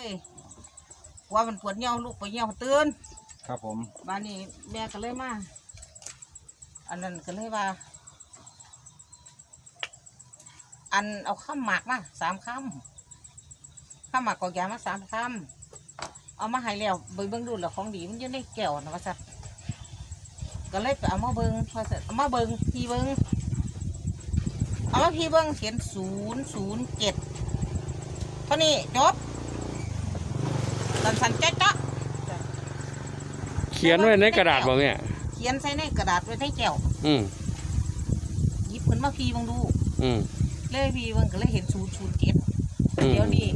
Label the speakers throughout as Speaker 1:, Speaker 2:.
Speaker 1: ว่ามันปวดเหี่ยวลูกไปเหี่ยวตื่น
Speaker 2: ครับผม
Speaker 1: บ้านนี้แม่ก็เลยมาอันนั้นก็เลยว่าอันเอาข้ามหมากมา3 คำข้ามหมากกอกยามา3 คำเอามาให้แล้วเบิ่งดูแล้วของดีมันอยู่ในแก้วนะว่าสัตว์ก็เลยไปเอามาเบิ่งว่าสัตว์เอามาเบิ่งพี่เบิ่งเอามาพี่เบิ่งเขียน007เท่านี้จบสันๆจ๊ะ
Speaker 3: เขียนไว้ในกระดาษบ่แม่
Speaker 1: เขียนใส่ในกระดาษไว้ในแก้วหยิบขึ้นมาพี่เบิ่งดูเลยพี่เบิ่งก็เลยเห็น007เดี๋ยวนี้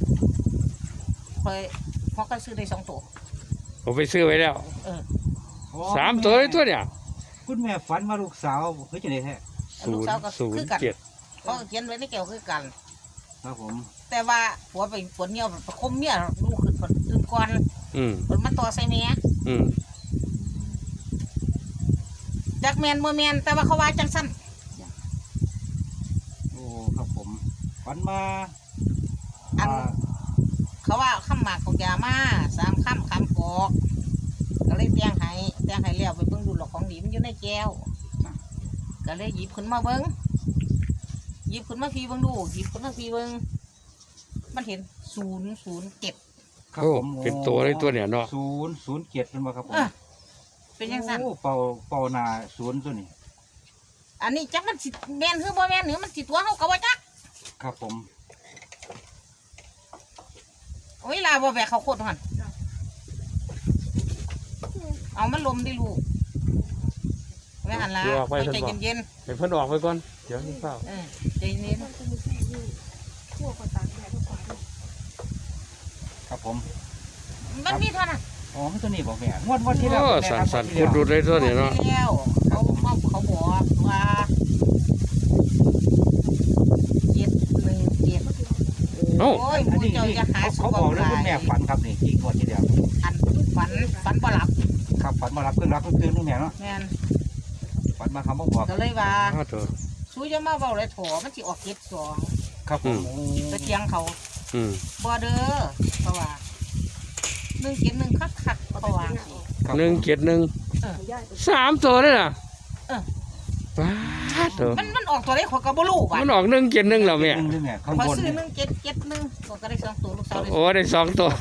Speaker 1: พอก็ซื้อได้2 ตัว
Speaker 3: ผมไปซื้อไว้แล้ว3 ตัวเลยตัวเนี่ย
Speaker 2: คุณแม่ฝันว่าลูกสาวเฮ้ยจะได้แท้
Speaker 1: ลูกสาวก็คือกันเขาเขียนไว้ในแก้วคือกัน
Speaker 2: ครับผม
Speaker 1: แต่ว่าผัวไปปวดเหี่ยวประคมเมียลูกขึ้นปวดตื่นก่อนมันมาต่อใส่เมียจักแมนบ่แมนแต่ว่าเขาว่าจังสั้น
Speaker 2: โอ้ครับผมฝันมา
Speaker 1: อันเขาว่าข้ามหมากของยามา3 คำกอกก็เลยเตียงให้เลี้ยวไปเบิ่งดูหลอกของดีมันอยู่ในแก้วก็เลยหยิบขึ้นมาเบิ่งหยิบขึ้นมาพี่เบิ่งดูหยิบขึ้นมาพี่เบิ่งมันเห็น007
Speaker 2: ครับผม
Speaker 3: เป็นตัวเลยตัวเนี่ยเนาะ
Speaker 2: 007เป็นบ่ครับผม
Speaker 1: เป็นยังสั้น
Speaker 2: เป่านา0ตัวนี้
Speaker 1: อันนี้จักมันสิแม่นคือบ่แม่นหรือมันสิตัวเฮาก็บ่จัก
Speaker 2: ครับผม
Speaker 1: โอ้ยลาบ่แบกเขาโคตรหั่นเอามันลมดิลูกไม่หันละใจเย็น
Speaker 3: ๆให้เพิ่นออกไปก่อนเดี๋ยวนี่เปล่า
Speaker 1: ใจเย็น
Speaker 2: ครับผม
Speaker 1: มันมีเท่านั้น
Speaker 2: อ๋อมันตัวนี้บอกแม่งวดที่แล้ว
Speaker 3: สั่นๆคุณดูได้ตัวนี้เนาะ
Speaker 1: เขาบอกว่า717โอ้ยผู้เจ้าจะหา
Speaker 2: เขาบอกแล้วคุณแม่ฝันครับนี่ที่งวดที่แล้ว
Speaker 1: อันฝันบ่หลับ
Speaker 2: ครับฝันมารับเพิ่งตื่นนู่นแม่เนาะ
Speaker 1: แม่น
Speaker 2: ฝันมาคำบอก
Speaker 1: ก็เลยว่าสู้จะมาเบาเลยโถมันสิออก72
Speaker 2: ครับผม
Speaker 1: ตะเกียงเขาบ่เด้อเพราะว่า171คักเพราะว่า
Speaker 3: 171 3 ตัวเลยน่ะ
Speaker 1: มันออกตัวได้ขอยก็บ่รู้ว่า
Speaker 3: มันออก171แล้วแม่
Speaker 1: ขอซื้อ1771ก็ได้2 ตัวลูกสาวได้
Speaker 3: โอ้ได้2 ตัว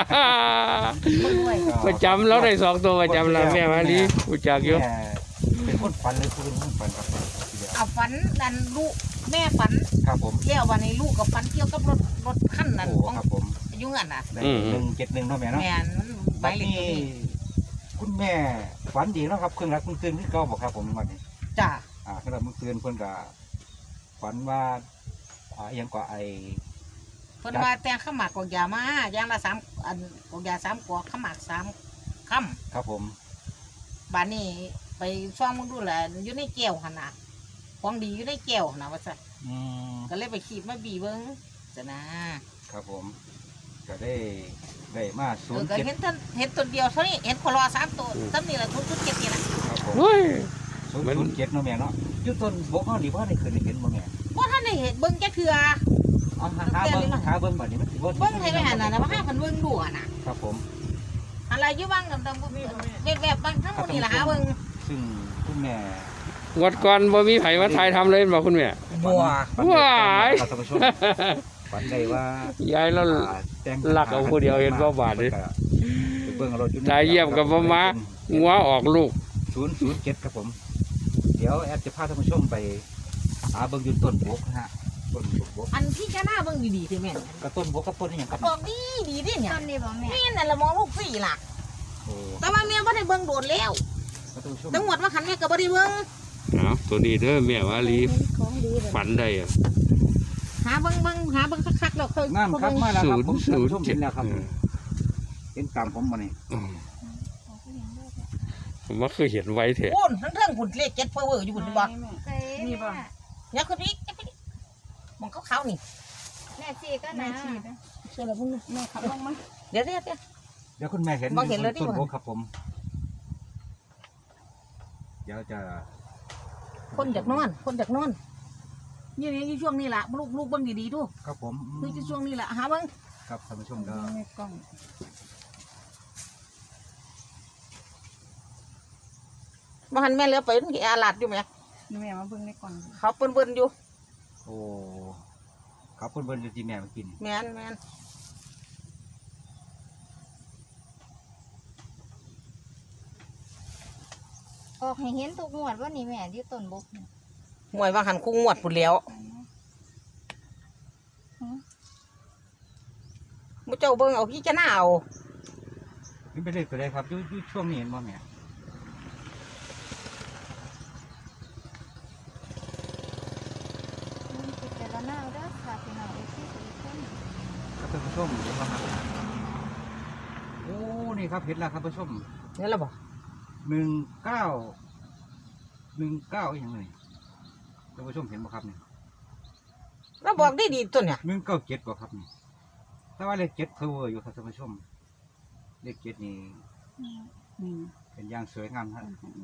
Speaker 3: ประจำแล้วได้2 ตัวประจำแล้วแม่มาลีรู้จักอยู่
Speaker 2: เป็นคนฝันเลยคือเป็นคนฝันครับ
Speaker 1: เอาฝันนั่นลูกแม่ฝัน
Speaker 2: ครับผม
Speaker 1: แล้ววันนี้ลูกกับฝันเกี่ยวกับรถคันนั้นของยุ่งอันน่ะ
Speaker 2: 171เนาะแม่เนาะ
Speaker 1: แม่มันใบเล็กนี่
Speaker 2: คุณแม่ฝันดีเนาะครับเครื่องรักเครื่องตื่นที่เก่าบอกครับผมวันนี้
Speaker 1: จ้า
Speaker 2: เครื่องรักเครื่องตื่นเพิ่นก็ฝันว่ายังก็
Speaker 1: เพิ่นว่าแต่งข้าวหมากกอกยามาอย่างละ3 อันกอกยา3 กอกข้าวหมาก3 คำ
Speaker 2: ครับผม
Speaker 1: บ้านนี้ไปซ่องมึงดูแลอยู่ในแก้วหั่นน่ะของดีอยู่ในแก้วนะว่าซั่นก็เลยไปขีดมาบีเบิ่งจ้ะนะครับ
Speaker 2: ผมก็ได้มา
Speaker 1: ก็เห็นตัวเดียวเท่านี้เห็นคนรอ3 ตัวซ้ำนี่แหละ0.7นี่นะครับ
Speaker 2: ผม0.7เนาะแม่เนาะอยู่ต้นบกเฮานี่บ่ได้เคยเห็นบ่แม่
Speaker 1: บ่ทันได้เห็นเบิ่งจักเทื่อ
Speaker 2: หาเบิ่งบัดนี้มันสิบ่
Speaker 1: เบิ่งให้แม่น่ะนะว่าหาเพิ่นเบิ่งดูอ่ะน่ะ
Speaker 2: ครับผม
Speaker 1: อะไรอยู่บ้างดำๆบ่มีแบบบางทั้งหมดนี่ล่ะหาเบิ่ง
Speaker 2: ซึ่งคุณแม่
Speaker 3: งวดก่อนบ่มีไผมาถ่ายทำเลยบอกคุณแม่
Speaker 1: ว้
Speaker 3: าย
Speaker 2: ฝันได้ว่
Speaker 3: ายายแล้วหลักเอาผู้เดียวเห็นบ่บาดนี่ตายเยี่ยมกับบ่มางัวออกลูก
Speaker 2: 007ครับผมเดี๋ยวแอดจะพาท่านผู้ชมไปหาเบิ่งอยู่ต้นบกฮะต้นบก
Speaker 1: อันพี่จะหน้าเบิ่งดีๆสิแม่
Speaker 2: กับต้นบกกับต้นนี่หยังครับ
Speaker 1: ออกดีดิเนี่ย
Speaker 4: ต้นนี้บ่แม่
Speaker 1: นี่นั่นละมองลูกฟรีล่ะแต่ว่าแม่บ่ได้เบิ่งโดดแล้วทั้งหมดว่าคันแม่ก็บ่ได้เบิ่ง
Speaker 3: ตัวนี้เด้อแม่ว่าลีฝันได้
Speaker 1: หาเบิ่งคักๆแล้วค่อย
Speaker 2: งามครับมาแล้วครับผมเห็นแล้วครับเห็นตามผมมานี่
Speaker 3: ผมว่าเคยเห็นไว้แท้
Speaker 1: โอ้ทั้งเรื่องหุ่นเลข7เพ้อเวอร์อยู่หุ่นบ่
Speaker 4: นี่บ่
Speaker 1: อย่าคือพี่มองขาวๆนี่
Speaker 4: แม่ชีก็นะ
Speaker 1: เชื่อแล้วมึง
Speaker 4: แม่ขับลงมา
Speaker 1: เดี๋
Speaker 2: ยวคุณแม่เห็นต้นโบครับผมเดี๋ยวจะ
Speaker 1: คนจากนอนนี่ช่วงนี้ล่ะลูกเบิ่งดีๆดู
Speaker 2: ครับผม
Speaker 1: คือช่วงนี้ล่ะหาเบิ่ง
Speaker 2: ครับท่านผู้ชมก็
Speaker 4: ในกล่อง
Speaker 1: บ่หันแม่เหลือไปนี่อาลาดอยู่ไหม
Speaker 4: นี่แม่มาเบิ่งในกล่อง
Speaker 1: เขาเปิ้นๆอยู่
Speaker 2: โอ้ครับเพิ่นอยู่ที่แม่มากิน
Speaker 1: แม่น
Speaker 4: ออกให้เห็นทุกงวดว่านี่แม่ที่ต้นบกนี่
Speaker 1: หวยว่าหันคู่งวดพุ่นแล้วมุเจ้าเบิ่งเอาพี่จะหน้าเอา
Speaker 2: นี่ไปเลยไปเลยครับอยู่ช่วงนี้เห็นบ่แม่
Speaker 4: พิจารณาเอาเด้อค่ะพี่น้องเอฟซีทุกคน
Speaker 2: ครับท่านผู้ชมเห็นบ่ครับโอ้นี่ครับเห็นแล้วครับท่านผู้ชม
Speaker 1: นี่ละบ่
Speaker 2: 19อีกอย่างหนึ่งท่านผู้ชมเห็นบ่ครับเนี่ย
Speaker 1: แล้วบอกดีๆตัวเนี่ย
Speaker 2: 197บ่ครับนี่แต่ว่าเลข7เพออยู่ครับท่านผู้ชมเลข7นี่ เป็นอย่างสวยงามครับ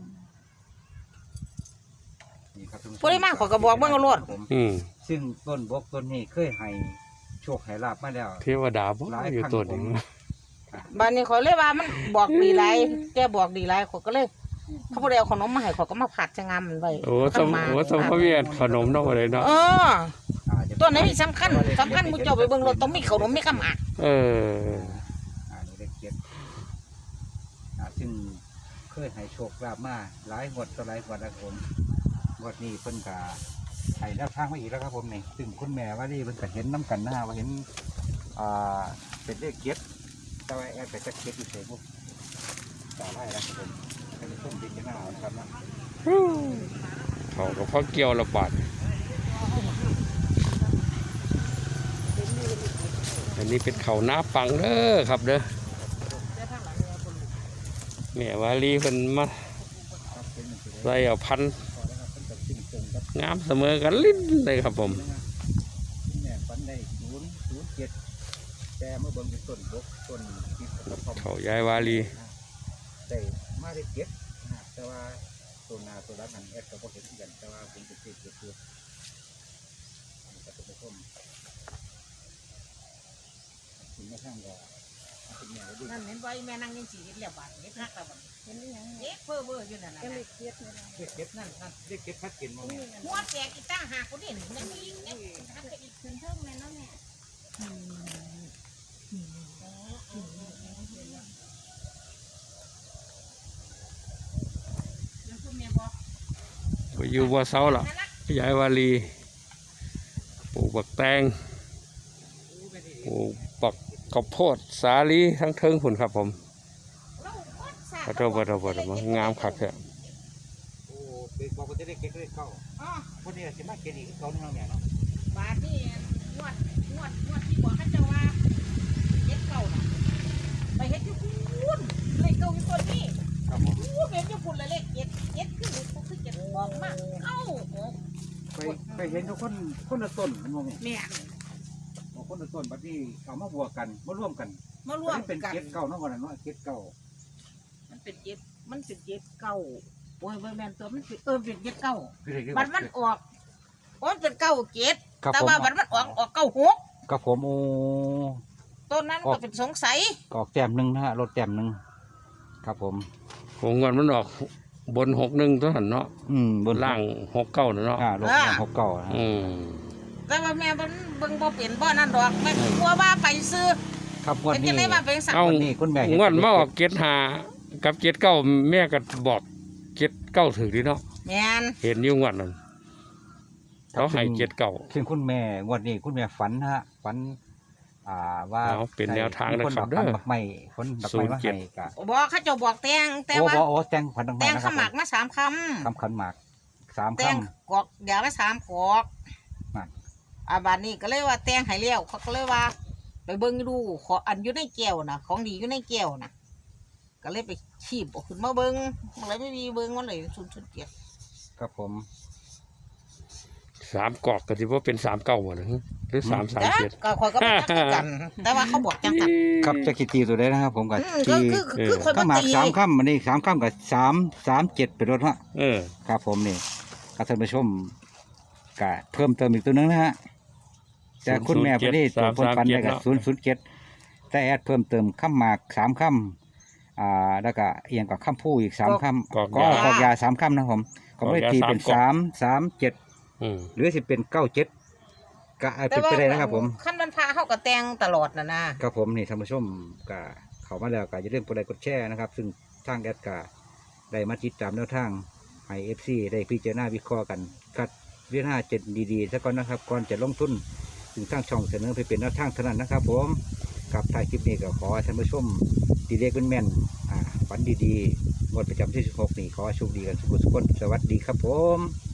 Speaker 2: นี่ครับท่านผู้ชม
Speaker 1: ผู้ใดมาขอยก็บอกเบิ่งเอาโลด
Speaker 2: ผม
Speaker 3: อืม
Speaker 2: ซึ่งต้นบกต้นนี้เคยให้โชคให้ลาบมาแล้ว
Speaker 3: เทวดาบ่อยู่ตัวนี้
Speaker 1: บ้านนี้ขอยเลยว่ามันบอกดีหลายแกบอกดีหลายขอยก็เลยเขาบ่ได้เอาขนมมาให้ขอยก็มาผัดจะงามมันไว้
Speaker 3: โอ้สมโอ้สมพระเวียนขนมเนาะอะไรเนาะ
Speaker 1: เออ
Speaker 2: จะ
Speaker 1: ตัวไหนสำคัญมุเจ้าไปเบิ่งรถต้องมีขนมมีกำอัด
Speaker 3: เออ
Speaker 2: นี่เลข7ซึ่งเคยให้โชคลาบมาหลายงวดต่อหลายงวดแล้วผมงวดนี้เพิ่นก็ให้แนวทางมาอีกแล้วครับผมนี่ซึ่งคุณแม่ว่านี่เพิ่นก็เห็นน้ำกันนะว่าเห็นเป็นเลข7แต่ว่าแอดไปจัก7อยู่เฉยๆพวกต่อไล่แล้วครับผมให้ผู้ชมพิจารณาเอานะครับนะ
Speaker 3: เขากับพ่อเกี่ยวระบาดอันนี้เป็นเขาหน้าปังเด้อครับเด้อแม่วาลีเพิ่นมาใส่เอาพันธุ์งามเสมอกันลิ้นเลยครับผม
Speaker 2: แม่ฝันได้007แต่เมื่อเบิ่งเป็นต้นบกต้นที่กระท่อม
Speaker 3: เขายายวาลี
Speaker 2: ได้มาได้7แต่ว่าตัวนาตัวรักนั้นแอดก็บ่เห็นกันแต่ว่าผมเป็นเจ็ดคือแต่เป็นผู้ชมคุณแม่ข้างก็คุณแม่ก็ดี
Speaker 1: นั่นเห็นไว้แม่นั่งยังสิเฮ็ดแล้วบาดเฮ็ดฮักแล้วบัด
Speaker 4: เห็นหรือยัง
Speaker 1: เฮ็ดเพ้อเบ้ออยู่นั่นน่ะ
Speaker 4: ก็เลยเครียดเลยนะ
Speaker 2: เด็กนั่นเด็กชัดเจนมั้งเนี่ย
Speaker 1: หัวแตกอีตั้งหากคนนี้นั่นมีเนี่ยฮักอีก
Speaker 4: ขึ้นเทิงแม่เนาะแม่
Speaker 1: แล้วคือแม่บอก
Speaker 3: ไปอยู่บัวเสาล่ะยายวาลีปลูกบักแตงปลูกบักข้าวโพดสาลีทั้งเทิงผุนครับผม
Speaker 1: เราโคตรสา
Speaker 3: ขอโทษขอโทษขอโทษงามคักแท้
Speaker 2: โอ้เด็กบอกว่าจะได้เก็บได้เก่า
Speaker 1: อ๋อ
Speaker 2: คนนี้สิมาเก็บอีกเก่าเนี่ยเนาะ
Speaker 1: บาดนี่งวดที่บอกเขาเจ้าว่าเฮ็ดเก่าน่ะไปเฮ็ดอยู่พุ่นเลขเก่าอยู่ตัวนี้
Speaker 2: ครับผม
Speaker 1: อู้เห็นอยู่พุ่นละเลขเจ็ดคือเจ็ดออกมาเอ้าโอ้
Speaker 2: ไปเห็นทุกคนละต้นมันมองนี่
Speaker 1: แม่
Speaker 2: คนละต้นบัดนี้เอามาบวกกันมาร่วมกัน
Speaker 1: มาร่วม
Speaker 2: เป็น
Speaker 1: กัน
Speaker 2: เก็บเก่าเนาะวันนั้นเนาะเก็บเก่า
Speaker 1: มันเป็นเจ็ดเก้าโอ้ยแม่นตัวมันเป็นเป็นเจ็ดเก้า
Speaker 2: คือ
Speaker 1: บัดมันออกโอ้ยเป็นเก้าเจ็ด
Speaker 2: ครับ
Speaker 1: แต่
Speaker 2: ผม
Speaker 1: ว่าบัดมันออกเก้าหก
Speaker 2: กับผมโอ้
Speaker 1: ต้นนั้นก็เป็นสงสัย
Speaker 2: ออกแต้มหนึ่งนะฮะรถแต้มหนึ่งครับผม
Speaker 3: ผมเงินมันออกบน61ตัวหันเนาะ
Speaker 2: บน
Speaker 3: ล่าง69เนาะ
Speaker 2: รถแต้ม6 เก่า
Speaker 3: อืม
Speaker 1: แต่ว่าแม่มันเบิ่งบ่เป็นบ่นั่นดอกแม่กลัวว่าไปซื้อ
Speaker 2: ครับวัน
Speaker 1: เป็น
Speaker 2: นี้
Speaker 1: จังได๋ว่าเป็นสัก
Speaker 3: เอ้า
Speaker 2: วันนี้คุณแม่
Speaker 3: งวดมาออก75กับ79แม่ก็บอก79ถึงดีเนาะ
Speaker 1: แม่น
Speaker 3: เห็นอยู่งวดนั้นเขาให้79
Speaker 2: ซึ่งคุณแม่งวดนี้คุณแม่ฝันนะฮะฝันว่า
Speaker 3: เอาเป็นแนวทางนะครับ
Speaker 2: คน
Speaker 3: เด้อ
Speaker 2: บักไม้คนบักไม้มาให้กะ
Speaker 1: บอกเขาเจ้าบอกแต่งแต่
Speaker 2: โอ้
Speaker 1: ว่า
Speaker 2: โอ้แตงขวัญบัก
Speaker 1: แต่
Speaker 2: ไม้
Speaker 1: ง
Speaker 2: นะค
Speaker 1: ข
Speaker 2: รับ
Speaker 1: มักมา3คำ
Speaker 2: คำขันหมาก3
Speaker 1: แต่ง
Speaker 2: คำ
Speaker 1: กอกเดี๋ยวมา3กอก
Speaker 2: นั่น
Speaker 1: บัดนี้ก็เลยว่าแต่งให้แล้วเขาก็เลยว่า ไปเบิ่งดูขออันอยู่ในแก้วน่ะของดีอยู่ในแก้วน่ะก็เลยไปชีบเอาขึ้นมาเบิ่งมันเลยไม่มีเบิ่งมันเลย0.7
Speaker 2: ครับผม
Speaker 3: 3กอกก็สิบ่เป็น39บ่หรือ337
Speaker 1: ก็คอยก็ไม่จักคือกัน แต่ว่าเขาบอกจังกัน
Speaker 2: ครับจะกี่ตีตัวได้นะครับ ผมกับ
Speaker 1: ก็
Speaker 2: ตี
Speaker 1: คือคอย
Speaker 2: ข้า
Speaker 1: บ่
Speaker 2: หมาก
Speaker 1: ตี
Speaker 2: 3 ค่ำอันนี้3 ค่ำกับ337เป็นรถฮะ
Speaker 3: เออ
Speaker 2: ครับผมนี่ท่านผู้ชมกะเพิ่มเติมอีกตัวนึงนะฮะแต่คุณแม่พอดีตัวคนปันได้กับ007 แต่แอดเพิ่มเติมคำหมาก3คำแล้วก็เอียงกับคำพูอีก3คำกอกยา3คำนะครับผมก็ไม่ได้ตีเป็น3 7หรือสิเป็น9 7ก็เป็นไปได้นะครับผม
Speaker 1: ขั้นวันพระเขาก็แต่งตลอดนะครับ
Speaker 2: ผมนี่ท่านผู้ชมก็เข้ามาแล้วก็อย่าลืมกดไลค์กดแชร์นะครับซึ่งทางแอดก็ได้มาติดตามแนวทางให้ FC ได้พิจารณาวิเคราะห์กันคัดเรื่อง5 7ดีๆซะก่อนนะครับก่อนจะลงทุนถึงทางช่องเสนอไปเป็นแนวทางเท่านั้นนะครับผมกับท้ายคลิปนี้ก็ขอให้ท่านผู้ชมดีเลขแม่นๆฝันดีๆงวดประจำที่16นี้ขอให้โชคดีกันทุกคนสวัสดีครับผม